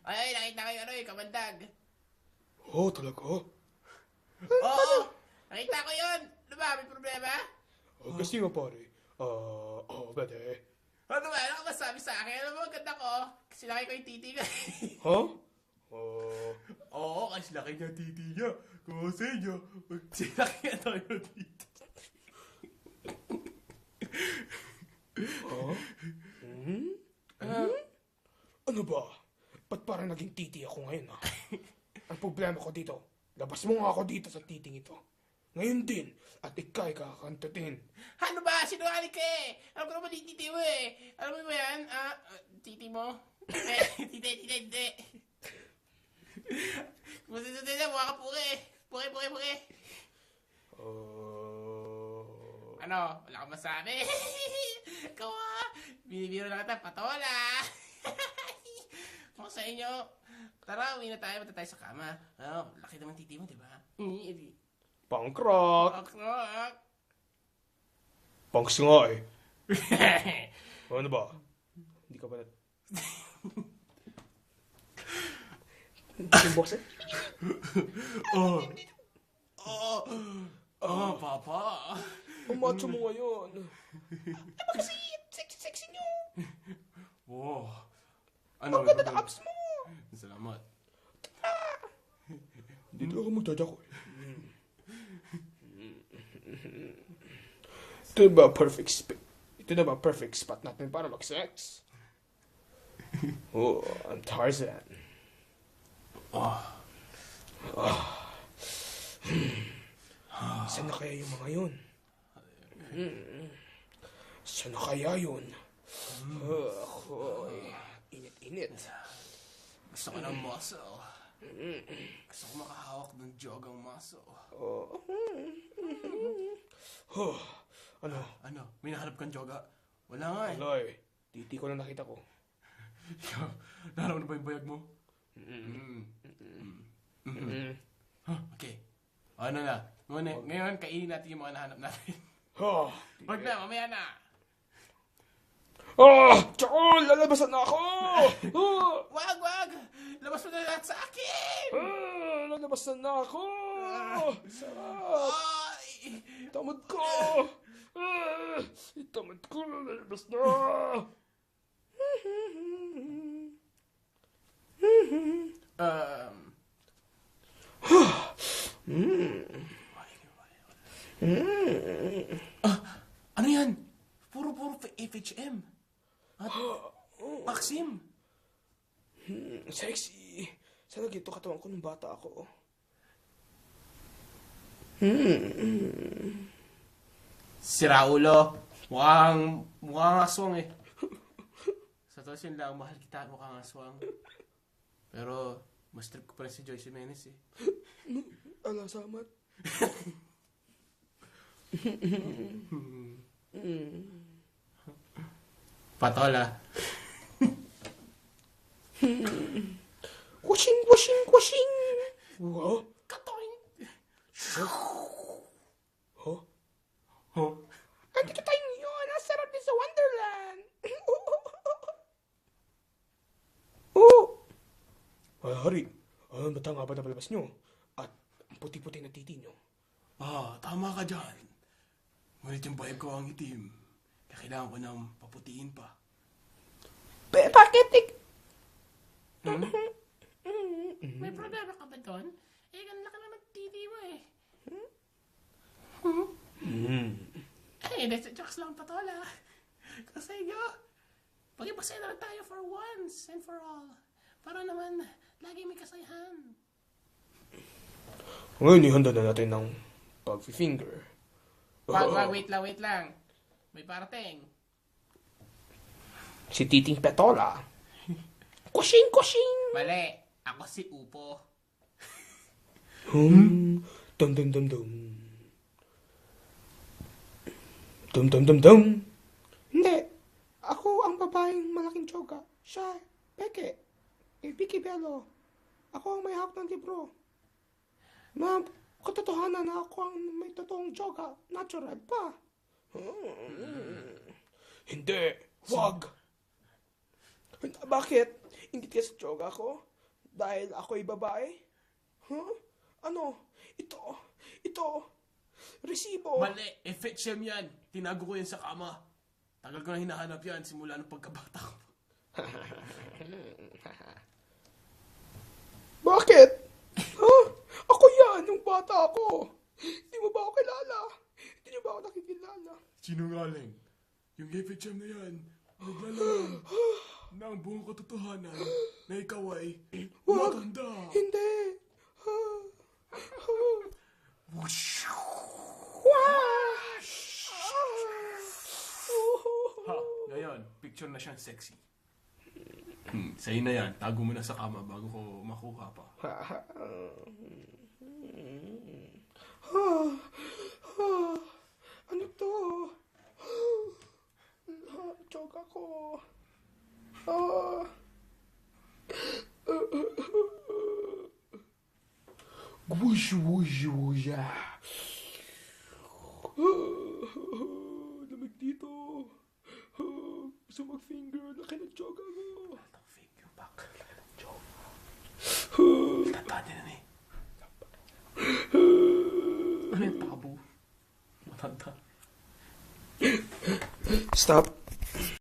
Ay, nakita ko yung kamandag. Oh, talaga? Oo, nakita ko yun. Ano ba, may problema? Kasi nga pare, pwede. Ano ba, ano ka masabi sa akin? Alam mo, ang ganda ko. Kasi laki ko yung titi ko. Ha? Oo, kasi laki niya titi niya. Kasi niya, laki niya tayo titi. Ano ba? Ba't parang naging titi ako ngayon, ha? Ang problema ko dito, labas mo nga ako dito sa titing ito. Ngayon din, at ikay kakantutin. Ano ba? Sinungaling ka eh. Alam ko naman yung titi mo eh. Alam mo ba yan? Titi mo? Titi. Kung titi na, mukha ka puke. Puke. Ano? Wala kang masabi? Ikaw binibiro lang kita, patola. Kung sa inyo, tara, uwi na tayo, punta tayo sa kama. Laki naman titi mo, di ba? Punk rock! Rock. Punks nga eh. Ano ba? Hindi ka ba yung boss eh? Papa. Ang macho mo ngayon. Kasi, sexy nyo. Wow. Ano? Ang ganda na abs mo. Salamat. Hindi talaga magdadya ko eh. Ito na ba perfect spot natin para mag-sex? Oh, I'm Tarzan. Saan na kaya yung mga yun? Saan na kaya yun? Init. Gusto ko ng muscle. Gusto ko makahawak ng jogang muscle. Ano? May nahanap kang joga? Wala nga eh. Wala eh. Titi ko lang nakita ko. Nahanap na ba yung bayag mo? Okay. Ano na? Ngayon, kainin natin yung mga nahanap natin. Wag na, mamaya na. Chakol! Lalabasan na ako! Wag! Labas mo na lahat sa akin! Lalabasan na ako! Sarap! Tamad ko! Lalabas na! Ano yan? Puro FHM. At Maxim. Sexy! Sana gito katawan ko nung bata ako. Si Raulo. Mukhang aswang eh. Sa tos yun lang, mahal kita, mukhang aswang. Pero, mas trip ko pa rin si Joyce Jimenez eh. Ala, samat. Patola. Washing! Wow! Katoing! Andito tayo ngayon! Ang sarap din sa Wonderland! Hari, ano ba nga ba napalabas nyo? At ang puti-puti na titi nyo. Tama ka dyan. Ngunit yung bayag ko ang itim. Kaya kailangan ko nang paputiin pa. Bakit? May problema ka ba doon? Ganda ka lang nagtiti mo eh. Jokes lang, Patola. Kasi pag-ipasaya na lang tayo for once and for all. Para naman, lagi may kasayahan. Ngayon, ihanda na natin ng pag-finger. Wait lang. May parating. Si Titing Petola. Kushing! Mali. Ako si Upo. Dum. Dum. Hindi. Ako ang babaeng malaking tsoga. Siya, Peke. Vicky Bello. Ako ang may hawak ng libro. Katotohanan na ako ang may totoong tsoga. Natural pa. Hindi. Wag. Bakit? Ingit ka sa tsoga ko? Dahil ako'y babae? Huh? Ano? Ito. Resibo. Mali! FHM yan! Tinago ko yan sa kama. Tagal ko na hinahanap yan simula nung pagkabata ko. Bakit? Huh? Ako yan, yung bata ako. Hindi mo ba ako kilala? Hindi niyo ba ako nakikilala? Sinungaling. Yung FHM na yan, naglalaman ng buong katotohanan na ikaw ay Wag. maganda. Hindi. Whoosh! Ha, ngayon, picture na siyang sexy. Sa'yo na yan, tago mo na sa kama bago ko makuha pa. Ano to? Chok ako. Whoosh, whoosh, whoosh. Lamig dito. Gusto mag-finger. Laki ng chok ako. Ang finger back. Tatadi na eh. Ano yung tabo? Matanda. Stop.